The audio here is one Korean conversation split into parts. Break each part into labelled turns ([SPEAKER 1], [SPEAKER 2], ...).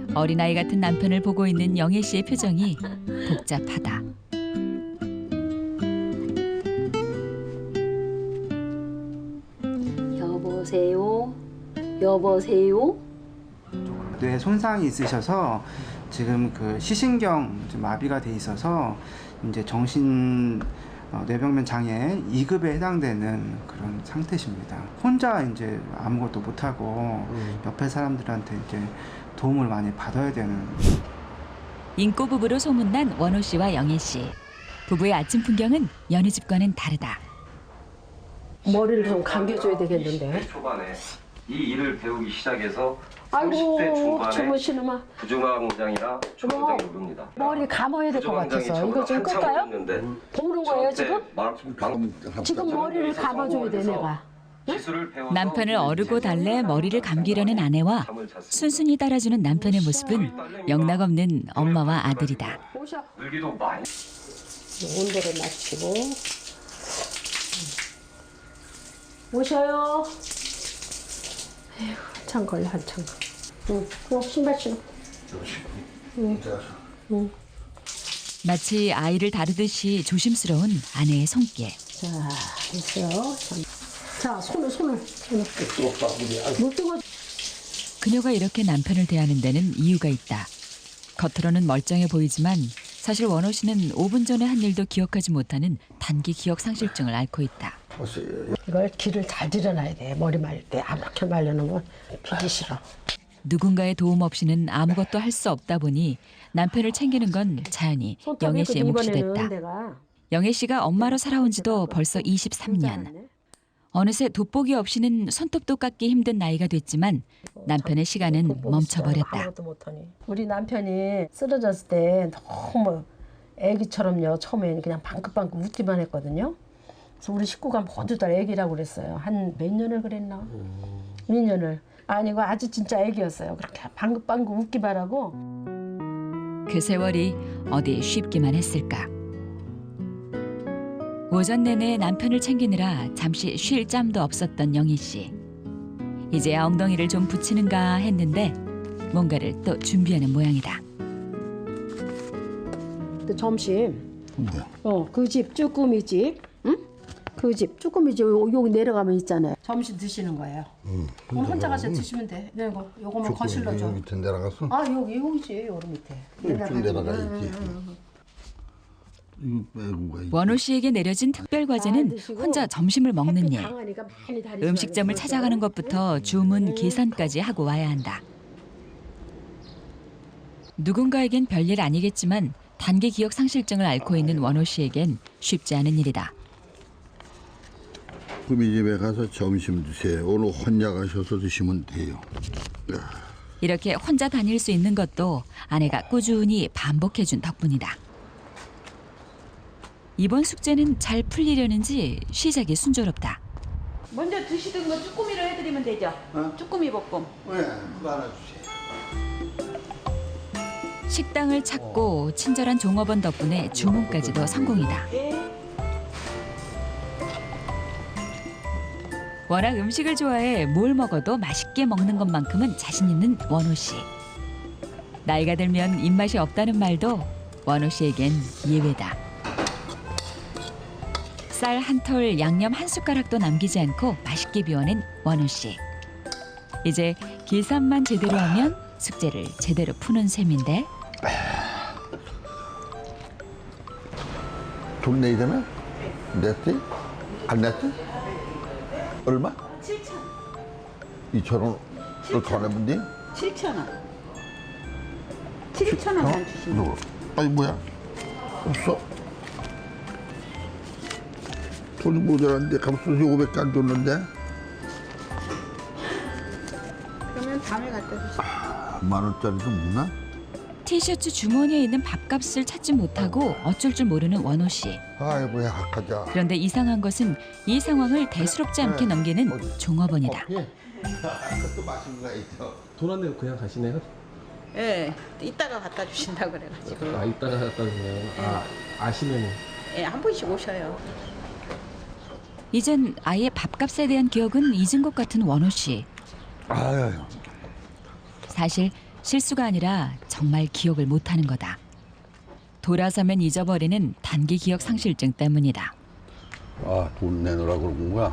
[SPEAKER 1] 어린아이 같은 남편을 보고 있는 영애 씨의 표정이 복잡하다.
[SPEAKER 2] 여보세요? 여보세요?
[SPEAKER 3] 뇌 손상이 있으셔서 지금 그 시신경 마비가 돼 있어서 이제 정신 뇌병면 장애 2급에 해당되는 그런 상태십니다. 혼자 이제 아무것도 못 하고 옆에 사람들한테 이제 도움을 많이 받아야 되는.
[SPEAKER 1] 인꼬 부부로 소문난 원호 씨와 영애 씨. 부부의 아침 풍경은 여느 집과는 다르다.
[SPEAKER 2] 머리를 좀 감겨줘야 되겠는데.
[SPEAKER 4] 20대 초반에 이 일을 배우기 시작해서 30대
[SPEAKER 2] 아이고
[SPEAKER 4] 중반에
[SPEAKER 2] 주무시는 마.
[SPEAKER 4] 부중앙장이나 초강장이 오릅니다.
[SPEAKER 2] 머리 감아야 될 것 같아서 이거 좀 끌까요? 보는 거예요 지금? 지금 머리를 감아줘야 돼 내가.
[SPEAKER 1] 남편을 어르고 달래 머리를 감기려는 아내와 순순히 따라주는 남편의 모습은 영락없는 엄마와 아들이다.
[SPEAKER 2] 오셔.
[SPEAKER 4] 늘기도 많이
[SPEAKER 2] 온도를 맞추고. 오셔요. 에휴, 한참 걸려 한참. 응, 신발 신어. 응.
[SPEAKER 1] 마치 아이를 다루듯이 조심스러운 아내의 손길.
[SPEAKER 2] 자, 됐어요. 자, 손을. 물 뜨거.
[SPEAKER 1] 그녀가 이렇게 남편을 대하는 데는 이유가 있다. 겉으로는 멀쩡해 보이지만 사실 원호 씨는 5분 전에 한 일도 기억하지 못하는 단기 기억 상실증을 앓고 있다.
[SPEAKER 2] 이걸 기를 잘 들여놔야 돼. 머리 말릴 때 아무렇게 말려놓으면 피기 싫어.
[SPEAKER 1] 누군가의 도움 없이는 아무것도 할 수 없다 보니 남편을 챙기는 건 자연히 영애 씨의 몫이 됐다. 영애 씨가 엄마로 살아온 지도 벌써 23년. 어느새 돋보기 없이는 손톱도 깎기 힘든 나이가 됐지만 남편의 시간은 멈춰버렸다.
[SPEAKER 2] 우리 남편이 쓰러졌을 때 너무 애기처럼요. 처음에는 그냥 방긋방긋 웃기만 했거든요. 그래서 우리 식구가 모두 다 애기라고 그랬어요. 한 몇 년을 그랬나? 2년을. 아니고 아주 진짜 애기였어요. 그렇게 방긋방긋 웃기만 하고.
[SPEAKER 1] 그 세월이 어디 쉽기만 했을까. 오전 내내 남편을 챙기느라 잠시 쉴 짬도 없었던 영희 씨. 이제야 엉덩이를 좀 붙이는가 했는데 뭔가를 또 준비하는 모양이다.
[SPEAKER 2] 또 점심.
[SPEAKER 5] 뭐야?
[SPEAKER 2] 그 집 쭈꾸미 집. 응? 그 집 쭈꾸미 집 여기 내려가면 있잖아요. 점심 드시는 거예요. 그럼 혼자 가서 드시면 돼. 네, 요거만 거실러 줘.
[SPEAKER 5] 여기 밑에 내려갔어?
[SPEAKER 2] 아 여기지 여기 밑에.
[SPEAKER 5] 좀 내려가야지. 이거 빼고 가야지.
[SPEAKER 1] 원호 씨에게 내려진 특별 과제는 혼자 점심을 먹는 일. 음식점을 찾아가는 것부터 주문 계산까지 하고 와야 한다. 누군가에겐 별일 아니겠지만 단기 기억 상실증을 앓고 있는 원호 씨에겐 쉽지 않은 일이다.
[SPEAKER 5] 구미 집에 가서 점심 드세요. 오늘 혼자 가셔서 드시면 돼요.
[SPEAKER 1] 이렇게 혼자 다닐 수 있는 것도 아내가 꾸준히 반복해준 덕분이다. 이번 숙제는 잘 풀리려는지 시작이 순조롭다.
[SPEAKER 6] 먼저 드시던 거 쭈꾸미로 해드리면 되죠? 쭈꾸미 볶음.
[SPEAKER 5] 네, 그거 하나 주세요.
[SPEAKER 1] 식당을 찾고 친절한 종업원 덕분에 주문까지도 성공이다. 워낙 음식을 좋아해 뭘 먹어도 맛있게 먹는 것만큼은 자신 있는 원호 씨. 나이가 들면 입맛이 없다는 말도 원호 씨에겐 예외다. 쌀 한 톨, 양념 한 숟가락도 남기지 않고 맛있게 비워낸 원호 씨. 이제 계산만 제대로 하면 숙제를 제대로 푸는 셈인데.
[SPEAKER 5] 돈 내야 되나? 냈지? 안 냈지? 얼마?
[SPEAKER 6] 7,000원.
[SPEAKER 5] 2,000원을 더 내면 돼?
[SPEAKER 6] 7,000원. 7,000원만 주시면 돼요.
[SPEAKER 5] 아니 뭐야? 없어. 돈이 모자란데 값을 500개 안 줬는데?
[SPEAKER 6] 그러면 다음에 갖다 주세요.
[SPEAKER 5] 10,000원짜리도 없나?
[SPEAKER 1] 티셔츠 주머니에 있는 밥값을 찾지 못하고 어쩔 줄 모르는 원호 씨.
[SPEAKER 5] 아이고야, 가자.
[SPEAKER 1] 그런데 이상한 것은 이 상황을 대수롭지 않게 넘기는 종업원이다.
[SPEAKER 5] 그것도 맛있는 거 있어.
[SPEAKER 7] 돈 안 내고 그냥 가시네요?
[SPEAKER 6] 예, 이따가 갖다 주신다고 그래가지고.
[SPEAKER 7] 아, 이따가 갖다 주네요. 아시면.
[SPEAKER 6] 예, 한 번씩 오셔요.
[SPEAKER 1] 이젠 아예 밥값에 대한 기억은 잊은 것 같은 원호 씨.
[SPEAKER 5] 아유.
[SPEAKER 1] 사실 실수가 아니라 정말 기억을 못하는 거다. 돌아서면 잊어버리는 단기 기억 상실증 때문이다.
[SPEAKER 5] 아, 돈 내놓으라 그런 거야?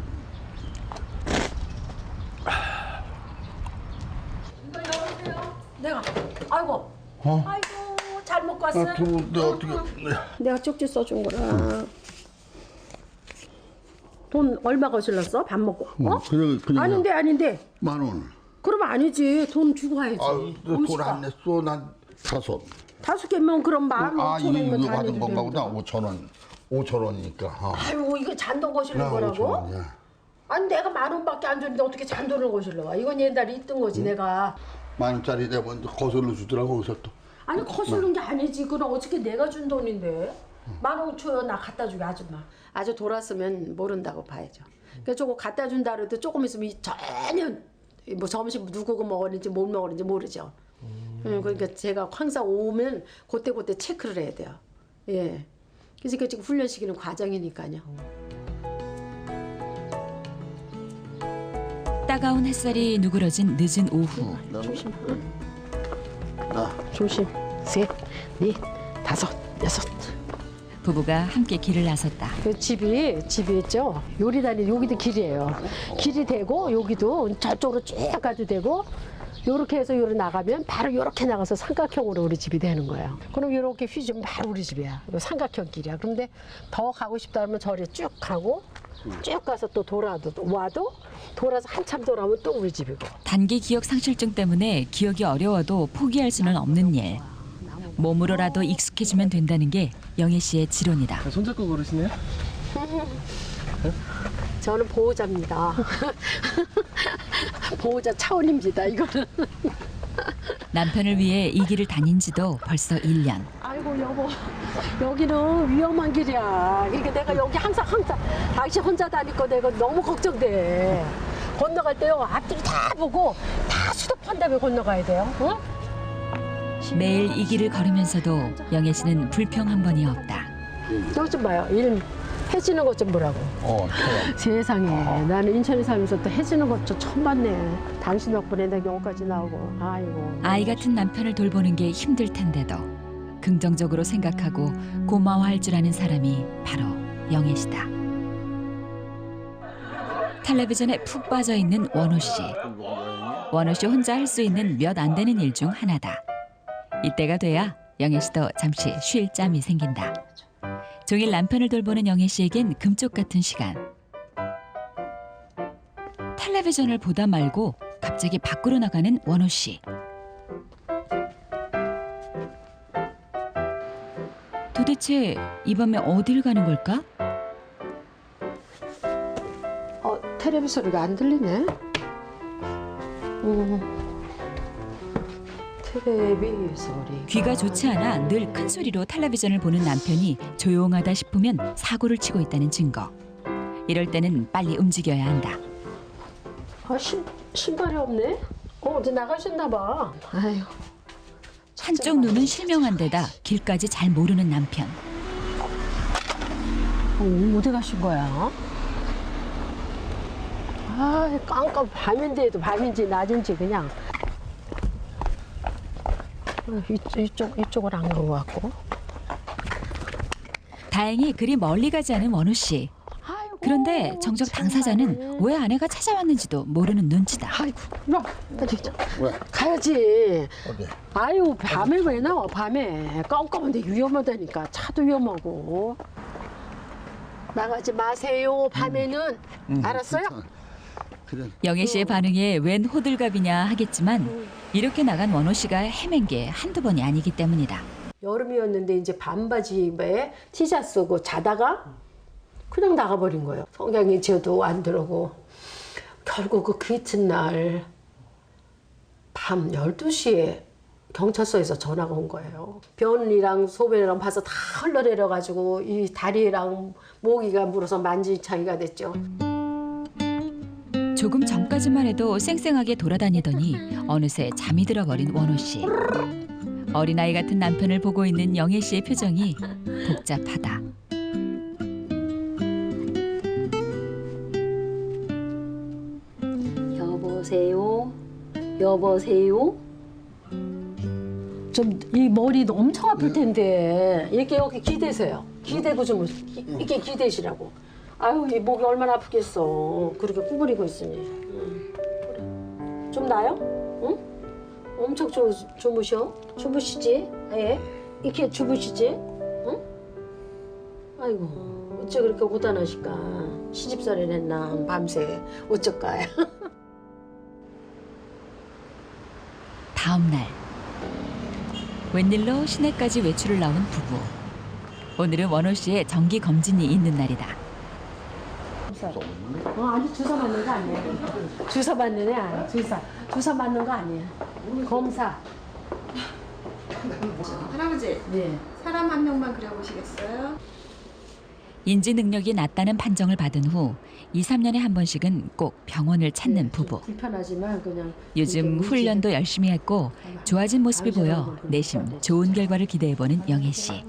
[SPEAKER 2] 내가 아이고
[SPEAKER 5] 어?
[SPEAKER 2] 아이고 잘 먹고 왔어.
[SPEAKER 5] 아, 돈 내가 어떻게?
[SPEAKER 2] 내가 쪽지 써준 거라. 돈 얼마 거실렀어? 밥 먹고? 어?
[SPEAKER 5] 그냥
[SPEAKER 2] 아닌데.
[SPEAKER 5] 10,000원.
[SPEAKER 2] 그러면 아니지. 돈 주고 가야지.
[SPEAKER 5] 돈 안 냈어. 난 5.
[SPEAKER 2] 5개면 그럼 15,000원이면
[SPEAKER 5] 이거
[SPEAKER 2] 다
[SPEAKER 5] 받은 건가
[SPEAKER 2] 내주면
[SPEAKER 5] 보다. 5,000원. 5,000원이니까.
[SPEAKER 2] 아유 이거 잔돈 거실는 거라고?
[SPEAKER 5] 5,000원이야.
[SPEAKER 2] 아니 내가 10,000원밖에 안 줬는데 어떻게 잔돈을 거실러 와? 이건 옛날에 있던 거지 내가.
[SPEAKER 5] 10,000원짜리 내면 거슬러 주더라고 거기서 또.
[SPEAKER 2] 아니 거슬른 게 아니지. 그럼 어떻게 내가 준 돈인데? 10,000원 줘요. 나 갖다 주게 아줌마. 아주 돌았으면 모른다고 봐야죠. 그러니까 저거 갖다 준다 그래도 조금 있으면 전혀 뭐 점심 누구가 먹었는지 못 먹었는지 모르죠. 그러니까 제가 항상 오면 그때 체크를 해야 돼요. 예. 그래서 지금 훈련시키는 과정이니까요.
[SPEAKER 1] 따가운 햇살이 누그러진 늦은 오후.
[SPEAKER 2] 조심. 조심. 3, 4, 5, 6.
[SPEAKER 1] 부부가 함께 길을 나섰다.
[SPEAKER 2] 그 집이 있죠. 요리단이 여기도 길이에요. 길이 되고 여기도 저쪽으로 쭉 가도 되고 요렇게 해서 요로 나가면 바로 요렇게 나가서 삼각형으로 우리 집이 되는 거예요. 그럼 요렇게 휘주면 바로 우리 집이야. 요 삼각형 길이야. 그런데 더 가고 싶다 하면 저리 쭉 가고 쭉 가서 또 와도 돌아서 한참 돌아오면 또 우리 집이고.
[SPEAKER 1] 단기 기억 상실증 때문에 기억이 어려워도 포기할 수는 없는 일. 몸으로라도 익숙해지면 된다는 게 영애 씨의 지론이다.
[SPEAKER 7] 손잡고 걸으시네요?
[SPEAKER 2] 저는 보호자입니다. 보호자 차원입니다. 이거는.
[SPEAKER 1] 남편을 위해 이 길을 다닌 지도 벌써 1년.
[SPEAKER 2] 아이고 여보, 여기는 위험한 길이야. 그러니까 내가 여기 항상 당신 혼자 다니고 내가 너무 걱정돼. 건너갈 때요 앞뒤로 다 보고 다 수도판 다음에 건너가야 돼요. 응?
[SPEAKER 1] 매일 이 길을 걸으면서도 영애 씨는 불평 한 번이 없다.
[SPEAKER 2] 이것 좀 봐요. 일 해지는 것 좀 보라고. 세상에 나는 인천에 살면서 또 해지는 것 좀 처음 봤네. 당신 덕분에 내가 여기까지 나오고. 아이고.
[SPEAKER 1] 아이 같은 남편을 돌보는 게 힘들 텐데도 긍정적으로 생각하고 고마워할 줄 아는 사람이 바로 영애 씨다. 텔레비전에 푹 빠져 있는 원호 씨. 원호 씨 혼자 할 수 있는 몇 안 되는 일 중 하나다. 이때가 돼야 영애 씨도 잠시 쉴 짬이 생긴다. 종일 남편을 돌보는 영애 씨에겐 금쪽 같은 시간. 텔레비전을 보다 말고 갑자기 밖으로 나가는 원호 씨. 도대체 이 밤에 어딜 가는 걸까?
[SPEAKER 2] 텔레비 소리가 안 들리네. 텔레비 소리.
[SPEAKER 1] 귀가 좋지 않아 늘 큰 소리로 텔레비전을 보는 남편이 조용하다 싶으면 사고를 치고 있다는 증거. 이럴 때는 빨리 움직여야 한다.
[SPEAKER 2] 신발이 없네. 어디 나가셨나 봐. 아유.
[SPEAKER 1] 한쪽 눈은 실명한 데다 길까지 잘 모르는 남편.
[SPEAKER 2] 어디 가신 거야? 깜깜 밤인데도 밤인지 낮인지 그냥. 이쪽을 안 간 것 같고.
[SPEAKER 1] 다행히 그리 멀리 가지 않은 원우 씨. 그런데 정작 당사자는 왜 아내가 찾아왔는지도 모르는 눈치다.
[SPEAKER 2] 아이고, 나
[SPEAKER 5] 왜?
[SPEAKER 2] 가야지.
[SPEAKER 5] 어디?
[SPEAKER 2] 아유, 밤에 왜 나와? 밤에 깜깜한데 위험하다니까. 차도 위험하고. 나가지 마세요. 밤에는. 알았어요?
[SPEAKER 5] 그래.
[SPEAKER 1] 영애 씨의 반응에 웬 호들갑이냐 하겠지만 이렇게 나간 원호 씨가 헤맨 게 한두 번이 아니기 때문이다.
[SPEAKER 2] 여름이었는데 이제 반바지에 티셔츠 쓰고 자다가 그냥 나가버린 거예요. 성경이 저도 안 들어오고 결국 그 이튿날 밤 12시에 경찰서에서 전화가 온 거예요. 변이랑 소변이랑 봐서 다 흘러내려가지고 이 다리랑 모기가 물어서 만지창이가 됐죠.
[SPEAKER 1] 조금 전까지만 해도 쌩쌩하게 돌아다니더니 어느새 잠이 들어버린 원호 씨. 어린아이 같은 남편을 보고 있는 영애 씨의 표정이 복잡하다.
[SPEAKER 2] 여보세요? 여보세요? 좀 이 머리도 엄청 아플 텐데 이렇게 여기 기대세요. 기대고 좀 이렇게 기대시라고. 아유 이 목이 얼마나 아프겠어. 그렇게 구부리고 있으니. 그래. 좀 나요? 응? 엄청 주무셔? 주무시지? 예? 이렇게 주무시지? 응? 아이고 어째 그렇게 고단하실까? 시집살이를 했나 밤새 어쩔까요?
[SPEAKER 1] 다음 날 웬일로 시내까지 외출을 나온 부부. 오늘은 원호 씨의 정기 검진이 있는 날이다.
[SPEAKER 2] 아니 주사 맞는 거 아니야. 주사 맞는 애 아니야. 주사 맞는 거 아니야. 검사.
[SPEAKER 6] 할아버지,
[SPEAKER 2] 네.
[SPEAKER 6] 사람 한 명만 그려보시겠어요?
[SPEAKER 1] 인지 능력이 낮다는 판정을 받은 후 2, 3년에 한 번씩은 꼭 병원을 찾는 부부.
[SPEAKER 2] 불편하지만 그냥
[SPEAKER 1] 요즘
[SPEAKER 2] 이렇게
[SPEAKER 1] 훈련도 열심히 했고 좋아진 모습이 보여 내심 좋은 결과를 기대해보는 영애 씨.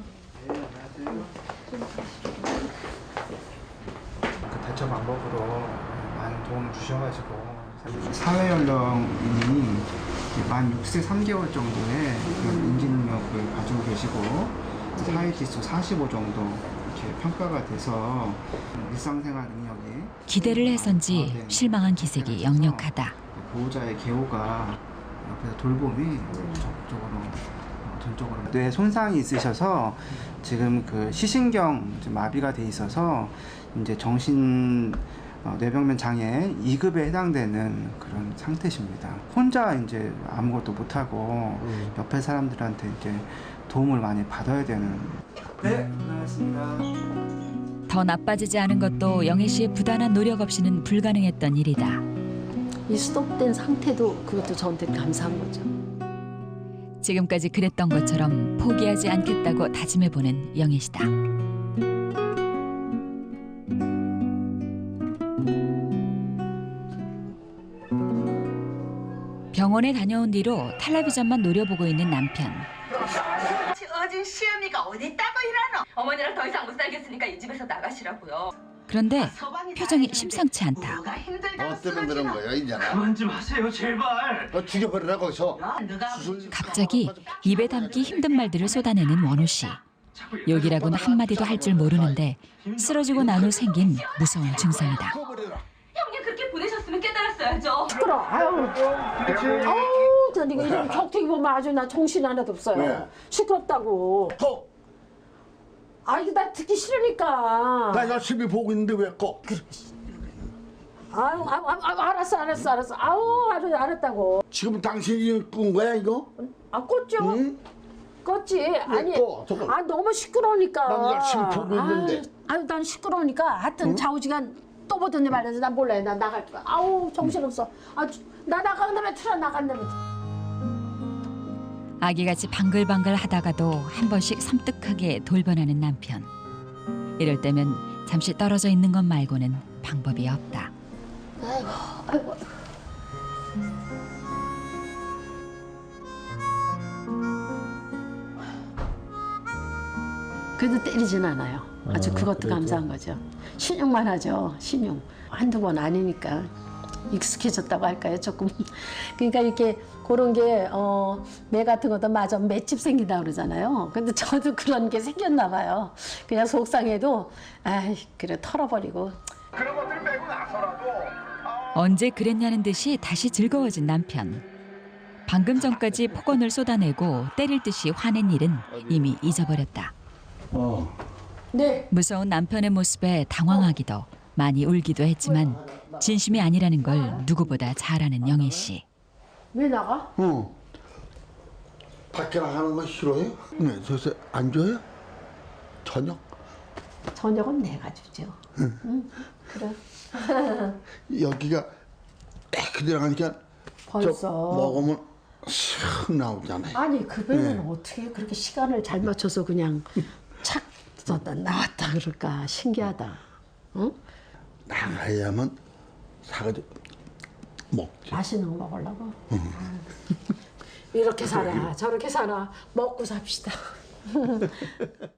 [SPEAKER 3] 그 대처 방법으로 많은 도움을 주셔가지고 사회 연령이 만 6세 3개월 정도의 그런 인지 능력을 가지고 계시고 사회 지수 45 정도 이렇게 평가가 돼서 일상생활 능력이
[SPEAKER 1] 기대를 해선지 실망한 기색이 역력하다.
[SPEAKER 3] 보호자의 개호가 옆에서 돌봄이 적극적으로 전적으로 뇌 손상이 있으셔서 지금 그 시신경 마비가 돼 있어서 이제 정신 뇌병면 장애 2급에 해당되는 그런 상태십니다. 혼자 이제 아무것도 못하고 옆에 사람들한테 이제 도움을 많이 받아야 되는. 네, 고생하셨습니다.
[SPEAKER 1] 더 나빠지지 않은 것도 영애 씨의 부단한 노력 없이는 불가능했던 일이다.
[SPEAKER 2] 이 스톱된 상태도 그것도 저한테 감사한 거죠.
[SPEAKER 1] 지금까지 그랬던 것처럼 포기하지 않겠다고 다짐해보는 영애 씨다. 병원에 다녀온 뒤로 텔레비전만 노려보고 있는 남편.
[SPEAKER 6] 어진 시어미가 어디 있다고 이러노? 어머니랑 더 이상 못 살겠으니까 이 집에서 나가시라고요.
[SPEAKER 1] 그런데 표정이 심상치 않다.
[SPEAKER 6] 뭐가 힘들다고
[SPEAKER 5] 너 때문에 그런 거야 이제는.
[SPEAKER 4] 그만 좀 하세요 제발.
[SPEAKER 5] 너 죽여버리라 거기서.
[SPEAKER 1] 갑자기 입에 담기 힘든 말들을 쏟아내는 원호 씨. 욕이라고는 한마디도 할 줄 모르는데 쓰러지고 난 후 생긴 무서운 증상이다.
[SPEAKER 6] 형님 그렇게 보내셨으면 깨달았어야죠.
[SPEAKER 2] 시끄러. 아유, 전 이거 이렇게 격투기 보면 아주 나 정신 하나도 없어요.
[SPEAKER 5] 왜?
[SPEAKER 2] 시끄럽다고. 아 이거 나 듣기 싫으니까.
[SPEAKER 5] 나 열심히 보고 있는데 왜 꺼?
[SPEAKER 2] 아유, 알았어. 아우, 알았다고.
[SPEAKER 5] 지금 당신이 꾼 거야 이거?
[SPEAKER 2] 아, 껐죠?
[SPEAKER 5] 응?
[SPEAKER 2] 껐지. 아니,
[SPEAKER 5] 꺼, 저걸.
[SPEAKER 2] 아 너무 시끄러우니까.
[SPEAKER 5] 난 열심히 보고 있는데.
[SPEAKER 2] 아유, 난 시끄러우니까. 하여튼 좌우지간 또 보더니 말해서 난 몰라요. 난 나갈 거야. 아우, 정신없어. 나 나간 다음에 틀어 나간 다음에.
[SPEAKER 1] 아기같이 방글방글 하다가도 한 번씩 섬뜩하게 돌변하는 남편. 이럴 때면 잠시 떨어져 있는 것 말고는 방법이 없다.
[SPEAKER 2] 아이고. 그래도 때리진 않아요. 아주 그것도
[SPEAKER 7] 그래도.
[SPEAKER 2] 감사한 거죠. 신용만 하죠. 신용. 한두 번 아니니까 익숙해졌다고 할까요? 조금. 그러니까 이렇게 그런 게 매 같은 것도 마저 맷집 생긴다 그러잖아요. 근데 저도 그런 게 생겼나 봐요. 그냥 속상해도 아이 그래 털어버리고.
[SPEAKER 1] 언제 그랬냐는 듯이 다시 즐거워진 남편. 방금 전까지 폭언을 쏟아내고 때릴 듯이 화낸 일은 이미 잊어버렸다.
[SPEAKER 2] 네.
[SPEAKER 1] 무서운 남편의 모습에 당황하기도 많이 울기도 했지만 진심이 아니라는 걸 누구보다 잘 아는 영애 씨.
[SPEAKER 2] 왜 나가?
[SPEAKER 5] 응. 밖에 나가는 거 싫어해? 네, 저기서 안 줘요? 저녁?
[SPEAKER 2] 저녁은 내가 주죠. 응. 그래.
[SPEAKER 5] 여기가 딱 들어가니까
[SPEAKER 2] 벌써.
[SPEAKER 5] 저 먹으면 슥 나오잖아요.
[SPEAKER 2] 아니 그 배는 어떻게 그렇게 시간을 잘 맞춰서 그냥 착 나왔다 그럴까 신기하다. 응?
[SPEAKER 5] 나가야만 사가지고 먹지.
[SPEAKER 2] 맛있는 거 먹으려고. 이렇게 살아 저렇게 살아 먹고 삽시다.